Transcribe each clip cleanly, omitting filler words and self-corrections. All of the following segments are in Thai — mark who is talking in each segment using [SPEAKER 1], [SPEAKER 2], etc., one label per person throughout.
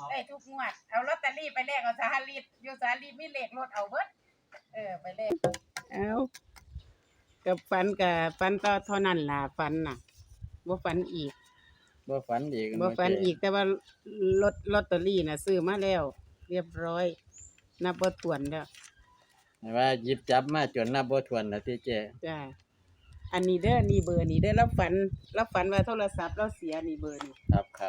[SPEAKER 1] ได้ทุกงวดเอาลอตเตอรี่ไปแลกเอาสหรีดอยู่สหรีดมีเลขรถเอาเบิดไปแลกเอากับฝันต่อเท่านั้นล่ะฝันน่ะบ่ฝันอีก
[SPEAKER 2] บ่ฝันอีก
[SPEAKER 1] แต่ว่าลอตเตอรี่น่ะซื้อมาแล้ว เรียบร้อยนับบ่ถ้วนแล้ว
[SPEAKER 2] ว่าหยิบจับมาจนนับบ่ถ้วนแล้วที่เจ้
[SPEAKER 1] จ้าอันนี้เด้อนี่เบอร์นี่เด้อเราฝันว่าโทรศัพท์เราเสียนี่เบอร์นี่
[SPEAKER 2] ครับ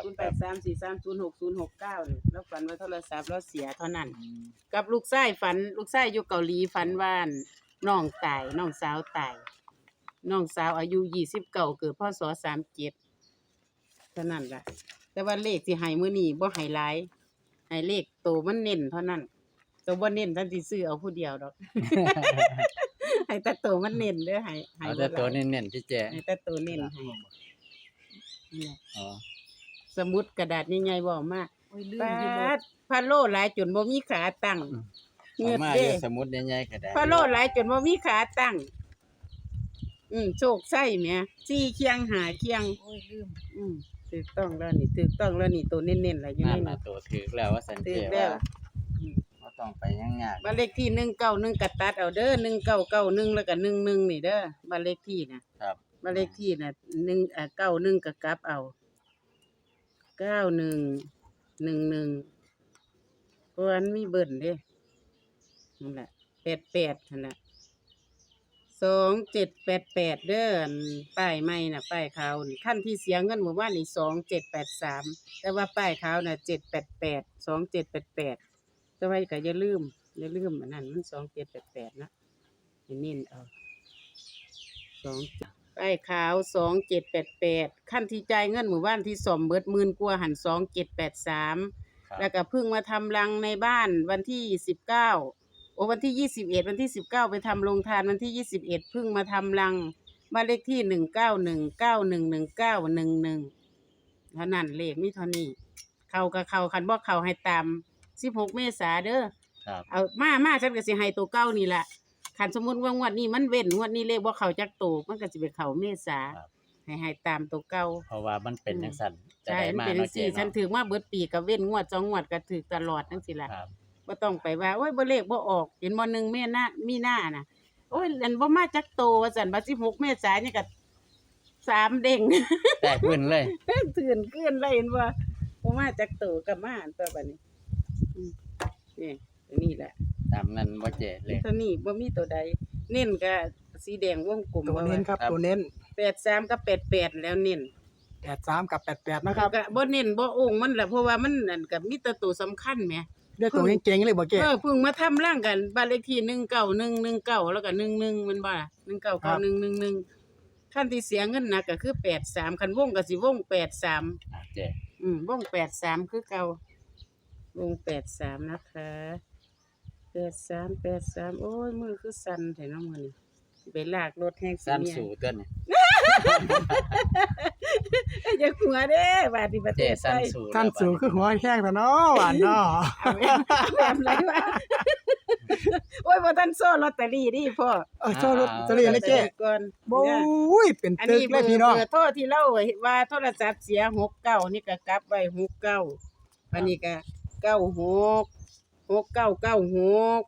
[SPEAKER 1] 0834306069นี่เราฝันว่าโทรศัพท์เราเสียเท่านั้นกับลูกชายอยู่เกาหลีฝันว่าน้องตายน้องสาวตายน้องสาวอายุ29เกิดพศ37เท่านั้นล่ะแต่ว่าเลขที่ให้มื้อนี้บ่ให้หลายให้เลขโตมันเน้นเท่านั้นตัวบ่เน้นท่านสิซื้อเอาผู้เดียวดอก ให้แต่โตมันเน้นเด้อให้
[SPEAKER 2] เอาแต่ตัวเน้นๆที่เจ้
[SPEAKER 1] ให้แต่โตเน้นให้นี่
[SPEAKER 2] อ๋อ
[SPEAKER 1] สมุดกระดาษใหญ่ๆบ่มากปาดพะโลหลายจนบ่มีขาตั้ง
[SPEAKER 2] เงือดเด้สมุดใหญ่ๆกระดาษ
[SPEAKER 1] พะโลหลายจนบ่มีขาตั้งโชคไส้แหม4เคียง5เคียง
[SPEAKER 3] โอ้ยลืม
[SPEAKER 1] ถูกต้องแล้วนี่ตัวเน้นๆล่ะอยู่
[SPEAKER 2] ใน
[SPEAKER 1] นี่
[SPEAKER 2] ตัวถูกแล้วว่าสันเจว่าบ่ต้องไปยาก
[SPEAKER 1] บ้านเลขที่191ก็ตัดเอาเด้อ1991แล้วก็11นี่เด้อบ้านเลขที่น่ะ
[SPEAKER 2] ครับ
[SPEAKER 1] บ้านเลขที่น่ะ91ก็กลับเอา9111เพราะมันมีเบิ่นเด้นั่นแหละ88นั่นน่ะ2788เด้อป้ายใหม่น่ะป้ายขาวนี่คันที่เสียเงินหมู่บ้านนี่2783แต่ว่าป้ายขาวน่ะ788 2788แต่ว่าก็อย่าลืมอันนั้นมัน2788นะให้เน้นเอาป้ายขาว2788คันที่จ่ายเงินหมู่บ้านที่ซ่อมเบิด10,000กว่าหัน2783แล้วก็เพิ่งมาทำรังในบ้านวันที่19วันที่21วันที่19ไปทำโรงทานวันที่21เพิ่งมาทำรังบ้านเลขที่191911911เท่านั้นเลขมีเท่านี้เข้ากับเข้าคันบ่เข้าให้ตาม16เมษาเด้อเอามาฉันก็สิให้ตัวเก่านี่ล่ะคันสมมุติว่างวดนี้มันเว้นงวดนี้เลขบ่เข้าจักตัวมันก็สิไปเข้าเมษาให้ตามตัวเก่า
[SPEAKER 2] เพราะว่ามันเป็นจังซั่น
[SPEAKER 1] ใช่มันเป็นจังซี่ฉันถือมาเบิดปีก็เว้นงวด2งวดก็ถูกตลอดจังซี่ล่ะบ่ต้องไปว่าโอ้ยบ่เลขบ่ออกเห็นบ่1มีนาน่ะโอ้ยอันบ่มาจักโตว่าซั่นบัด16เมษายนนี่ก็3เด้ง
[SPEAKER 2] แตกขึ้นเลย
[SPEAKER 1] ตื่นขึ้นเลยเห็นบ่มาจักโตก็มาตัวบัดนี้นี่แหละ
[SPEAKER 2] ตามนั้นบ่เจเลข
[SPEAKER 1] ตัวนี้บ่มีตัวใดเน้นก็สีแดงวงกลม
[SPEAKER 4] ตัวเน้นครับตัวเน้น
[SPEAKER 1] 83กับ88แล้วเน้น
[SPEAKER 4] 83กับ88นะครับ
[SPEAKER 1] ก็บ่เน้นบ่โอ่งมันล่ะเพราะว่ามันนั่นก็มีแต่ตัวสำคัญแหม
[SPEAKER 4] เด้อตัวเก่งๆเลยบ่เก้
[SPEAKER 1] เพิ่งมาทำร่างกันบ้านเลขที่19119แล้วก็11มันบ่ล่ะ199111คันที่เสียเงินหนักก็คือ83คันวงก็สิวง83
[SPEAKER 2] เจ
[SPEAKER 1] วง83คือเก่าวง83นะคะ83โอ้ยมือคือสั่นแท้เนาะมื้อนี้สิไปลากรถแฮงสิ
[SPEAKER 2] สั่นสู่ตัวนี่
[SPEAKER 1] อย่าหัวเด้บาดนี้ประเทศไทย
[SPEAKER 4] สั่นสู่คือหัวแข้งซะเนาะหวานเนาะ
[SPEAKER 1] แบบไรวะโอ้ยบ่ทันโซ่ลอตเตอรี่ดิพ่อ
[SPEAKER 4] โซ่ลอตเตอรี่เลยเจ้
[SPEAKER 1] ก่อน
[SPEAKER 4] โอ้ยเป็นตึกเลยพี่น้อง
[SPEAKER 1] เบอร์โทรที่เราว่าโทรศัพท์เสีย69นี่ก็กลับไว้69อันนี้ก็96 6996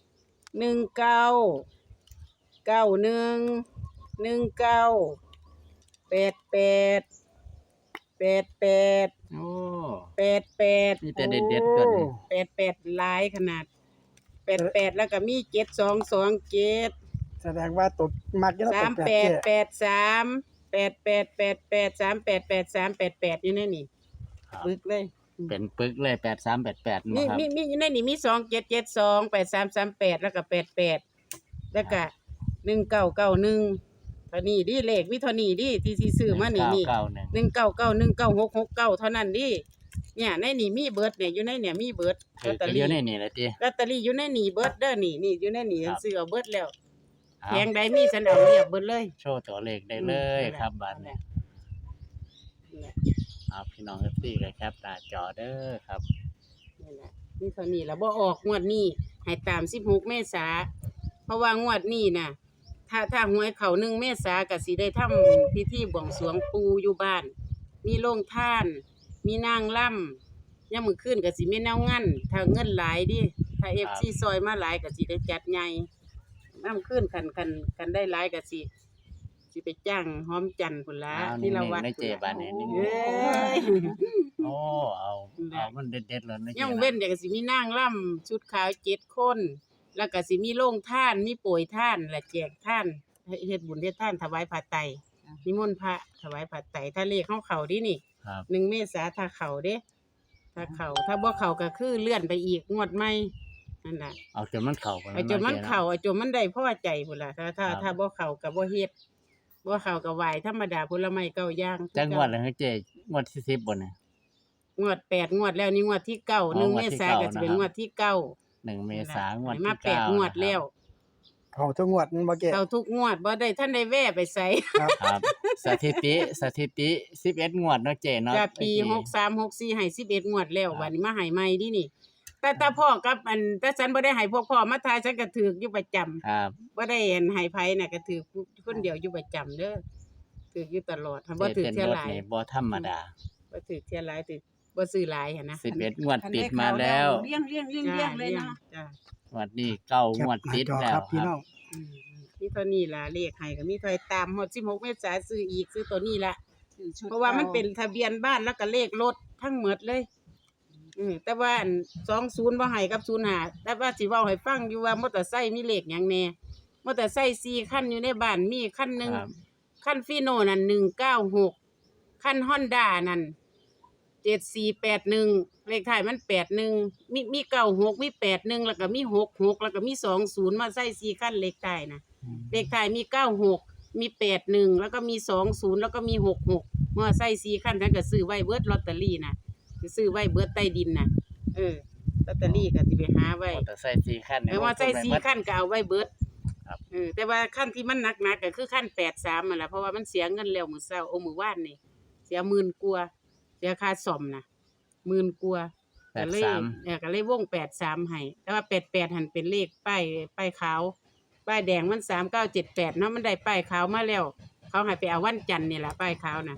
[SPEAKER 1] 19 91 19 88
[SPEAKER 2] โอ้
[SPEAKER 1] 88
[SPEAKER 2] มีแต่เด็ดๆตัวนี้
[SPEAKER 1] 88หลายขนาด88แล้วก็มี7227
[SPEAKER 4] แสดงว่าตกมักอยู่แล้ว
[SPEAKER 1] 3883 8888 388388อยู่ในนี่ปึกเลย
[SPEAKER 2] เป็นปึกเลย8388
[SPEAKER 1] มีอยู่ในนี่มี2772 8338แล้วก็88แล้วก็1991เท่านี้ดิเลขมีเท่านี้ดิที่ซื้อมานี่19919669เท่านั้นดิเนี่ยในนี่มีเบิดเนี่ยอยู่ในเนี่ยมีเบิด
[SPEAKER 2] ลอตเตอรี่อยู่ในนี่แหละติ
[SPEAKER 1] ลอตเตอรี่อยู่ในนี่เบิดเด้อนี่อยู่ในนี่ฉันซื้อเอาเบิดแล้วแพงใดมีฉันเอาเรียบเบิดเลย
[SPEAKER 2] โชว์ตัวเลขได้เลยครับบัดนี้พี่น้อง FC ก็แคปหน้าจอเด้อครับ
[SPEAKER 1] นี่แหละนี่เท่านี้แล้วบ่ออกงวดนี้ให้ตาม16เมษาเพราะว่างวดนี้น่ะถ้าหวยเข้า1เมษาก็สิได้ทำพิธีบวงสรวงปู่อยู่บ้านมีโรงทานมีนางรำยามมื้อคืนก็สิมีแนวงานถ้าเงินหลายดิถ้า FC ซอยมาหลายก็สิได้จัดใหญ่ยามคืนคันได้หลายก็สิไปจ้างหอมจันทร์พุ่นล่ะที่ละวัด
[SPEAKER 2] ในเจบานนี่นี่
[SPEAKER 1] เอ้ย
[SPEAKER 2] โอ้เอามันเด็ดๆเลยนะ
[SPEAKER 1] ยังเว้นเดี๋ยวก็สิมีนางร่ำชุดขาว7 คน แล้วก็สิมีโรงทานมีโปรยทานและแจกทานเฮ็ดบุญเฮ็ดทานถวายผ้าไตรนิมนต์พระถวายผ้าไตรถ้าเลขเข้าดินี่
[SPEAKER 2] ครับ
[SPEAKER 1] 1 เมษายนถ้าเข้าเด้ถ้าบ่เข้าก็คือเลื่อนไปอีกงวดใหม่นั่นน่ะ
[SPEAKER 2] เอาจนมันเข้าไป
[SPEAKER 1] เอาจนมันเข้าเอาจนมันได้พอใจพุ่นล่ะถ้าบ่เข้าก็บ่เฮ็ดบ่เข้าก็ไหว้ธรรมดาผลไม้9อย่าง
[SPEAKER 2] จังหวัดเลยเจงวดที่10บ่เนี่ย
[SPEAKER 1] งวด8งวดแล้วนี่งวดที่9 1 เมษายนก็สิเป็นงวดที่9
[SPEAKER 2] 1 เมษายนงวด
[SPEAKER 1] มา
[SPEAKER 2] ที่
[SPEAKER 1] 8 งวดแล้ว
[SPEAKER 4] เขาทุกงวดมันบ่เกะ
[SPEAKER 1] เข้าทุกงวดบ่ได้ท่านได้แว่ไปไส
[SPEAKER 2] ครับสถิติ11งวดเนาะเจเนาะ
[SPEAKER 1] จากปี63 64ให้11งวดแล้วบัดนี้มาให้ใหม่ดินี่แต่พ่อกับแต่ฉันบ่ได้ให้พวกพ่อมาทายฉันก็ถูกอยู่ประจำ
[SPEAKER 2] ครับ
[SPEAKER 1] บ่ได้ให้ไผน่ะก็ถูกคนเดียวอยู่ประจำเด้อถูกอยู่ตลอดถ้าบ่ถูก
[SPEAKER 2] เป็น
[SPEAKER 1] เที่ย
[SPEAKER 2] รถ
[SPEAKER 1] หลาย
[SPEAKER 2] นี่บ่ธรรมดา
[SPEAKER 1] บ่ถูกเที่ยหลายถูกบ่ซื้อหลายหั่นนะ
[SPEAKER 2] 11งวดติดมาแล้ว
[SPEAKER 3] เลี้ยงเลยเนาะ
[SPEAKER 1] จ้ะ
[SPEAKER 2] งวดนี้9งวดติด
[SPEAKER 4] จอ
[SPEAKER 2] แล้
[SPEAKER 4] คว รับพี่น้อง
[SPEAKER 1] อืมมีเท่านี้ล่ะเลขให้ก็มีเท่าไหร่ตามฮอด16เมษายนซื้ออีกซื้อตัวนี้ล่ะ เพราะว่ามันเป็นทะเบียนบ้านแล้วก็เลขรถทั้งหมดเลยแต่ว่าอัน20บ่ให้กับ05แต่ว่าสิเว้าให้ฟังอยู่ว่ามอเตอร์ไซค์มีเลขหยังแหน่มอเตอร์ไซค์4คันอยู่ในบ้านมีคันหนึง
[SPEAKER 2] ครับ
[SPEAKER 1] คันฟีโน่นั่น196คัน Honda นั่น7481เลขท้ายมัน81มี96มี81แล้วก็มี66แล้วก็มี20มาใส่4คันเลขท้ายนะเลขท้ายมี96มี81แล้วก็มี20แล้วก็มี66เมื่อใส่4คันฉันก็ซื้อไว้เบิดลอตเตอรี่น่ะสิซื้อไว้เบิดใต้ดินน่ะลอตเตอรี่ก็สิไปหาไว้
[SPEAKER 2] มอเตอร์ไซค์4คัน
[SPEAKER 1] ว่าใส่4คันก็เอาไว้เบิด
[SPEAKER 2] ครับ
[SPEAKER 1] แต่ว่าคันที่มันหนักๆก็คือคัน83นั่นล่ะเพราะว่ามันเสียเงินแล้วมื้อเช้ามื้อวานนี่เสีย10,000กว่าเสียค่าซ่อมน่ะ10,000กว่าก็เลยวง83ให้แต่ว่า88หั่นเป็นเลขป้ายขาวป้ายแดงมัน3978เนาะมันได้ป้ายขาวมาแล้ว เขาให้ไปเอาวันจันทร์นี่ล่ะป้ายขาวน่ะ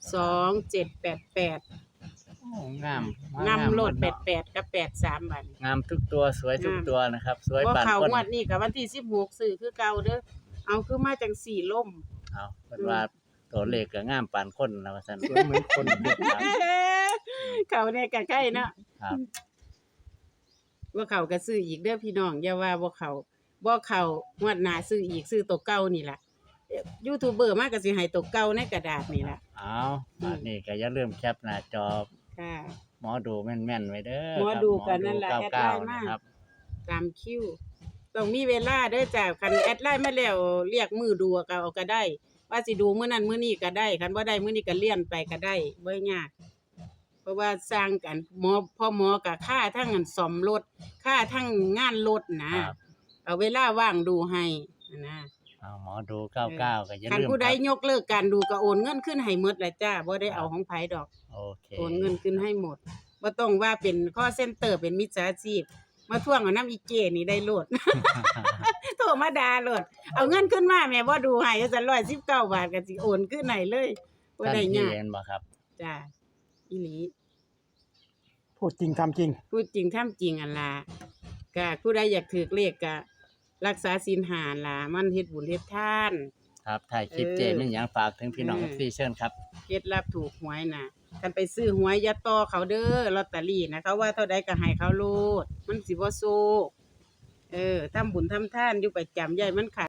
[SPEAKER 1] 2788
[SPEAKER 2] โอ้งาม
[SPEAKER 1] นำโลด
[SPEAKER 2] เนาะ
[SPEAKER 1] 88กับ83บัดนี้
[SPEAKER 2] งามทุกตัวสวยทุกตัวนะครับสวย
[SPEAKER 1] บ่
[SPEAKER 2] ปาน
[SPEAKER 1] เข้า
[SPEAKER 2] คน
[SPEAKER 1] งวดนี้ก็วันที่16ซื้อคือเก่าเด้อเอาคือมาจังสี่ล่ม
[SPEAKER 2] เอาเพิ่นว่าตัวเลขก็งามปานคนนะว่าซั่น
[SPEAKER 4] สวยเหมือนคน
[SPEAKER 2] ครับ
[SPEAKER 1] เขาเนี่ยก็ใกล้เนาะ
[SPEAKER 2] ครับ
[SPEAKER 1] บ่เข้าก็ซื้ออีกเด้อพี่น้องอย่าว่าบ่เข้างวดหน้าซื้ออีกซื้อตัวเก่านี่ล่ะยูทูบเบอร์มาก็สิให้ตัวเก่าในกระดาษนี่ล่ะ
[SPEAKER 2] เอาอันนี้ก็อย่าลืมแคปหน้าจอ
[SPEAKER 1] ค่ะ
[SPEAKER 2] หมอดูแม่นๆไว้เด้อ
[SPEAKER 1] หมอดูกันนั่นล่ะ
[SPEAKER 2] ครับ
[SPEAKER 1] แอดไลน์
[SPEAKER 2] 99
[SPEAKER 1] มา
[SPEAKER 2] นะครับ
[SPEAKER 1] ตามคิวต้องมีเวลาเด้อจ้ะคันแอดไลน์มาแล้วเรียกมือดูก็เอาก็ได้ ว่าสิดูมื้อนั้นมื้อนี้ก็ได้คันบ่ได้มื้อนี้ก็เลื่อนไปก็ได้บ่ยากเพราะว่าสร้างกันพ่อหมอก็ค่าทั้งอันซ่อมรถค่าทั้งงานรถนะครับ เอาเวลาว่างดูให้นะ
[SPEAKER 2] เอาหมอดู99ก็อย่า
[SPEAKER 1] คัน
[SPEAKER 2] ลืม
[SPEAKER 1] ผู้ใด
[SPEAKER 2] ครับ
[SPEAKER 1] ยกเลิกการดูก็โอนเงินขึ้นให้หมดแหละจ้าบ่ได้เอาของไผดอก
[SPEAKER 2] โอเค
[SPEAKER 1] โอนเงินขึ้นให้หมดบ่ต้องว่าเป็นคอเซ็นเตอร์เป็นมิจฉาชีพมาทวงเอาน้ำอีเจนี่ได้โลด โทรมาด่าโลดเอาเงินขึ้นมาแม่บ่ดูให้จัง119 บาทก็สิโอนขึ้นให้เลยบ่
[SPEAKER 2] ท่าน
[SPEAKER 1] ได้
[SPEAKER 2] ที่
[SPEAKER 1] ยาก
[SPEAKER 2] เห็นบ่ครับ
[SPEAKER 1] จ้าอีหลี
[SPEAKER 4] พูดจริงทำจริง
[SPEAKER 1] พูดจริงทำจริงอันล่ะก็ผู้ใดอยากถือเลขก็รักษาศีล5ล่ะมันเฮ็ดบุญเฮ็ดทาน
[SPEAKER 2] ครับถ่ายคลิปเจมีหยังฝากถึงพี่น้องที่เชิญครับ
[SPEAKER 1] เคล็ดลับถูกหวยน่ะคันไปซื้อหวยอย่าต่อเขาเด้อลอตเตอรี่นะเขาว่าเท่าใดก็ให้เขาโลดมันสิบ่โซทำบุญทำทานอยู่ประจำใหญ่มันขาด